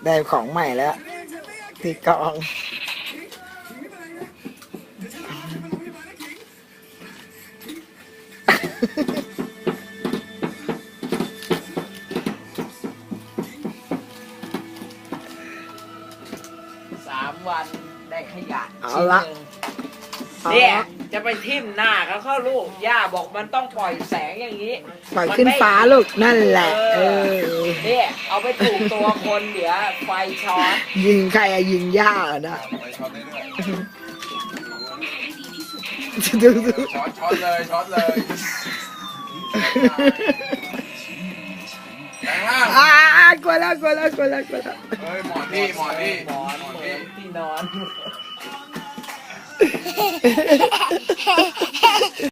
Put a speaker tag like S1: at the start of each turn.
S1: ได้ของใหม่แล้วตีกลอง
S2: 3 วันได้ขยะ
S1: เอา
S2: ชิ้น
S1: ละ
S2: หนึ่งเนี่ยจะไปทิ่มหน้าเขาเข้าลูกย่าบอกมันต้องปล่อยแสงอย่างนี้
S1: ปล่อยขึ้นฟ้าลูกนั่นแหละ
S2: เนี่ยเอาไปถูกตัวคนเดี๋ยวไฟช็อต
S1: ยิงใครอะยิงย่านะ
S3: ไปช็อตได้ด้วย
S1: ดู
S3: ช็อตเลยช็อตเลยแรงมาก
S1: กลัวแล้ว
S3: เฮ้ยหมอนนี่หมอนนี่
S2: หมอนเหมือนที่นอน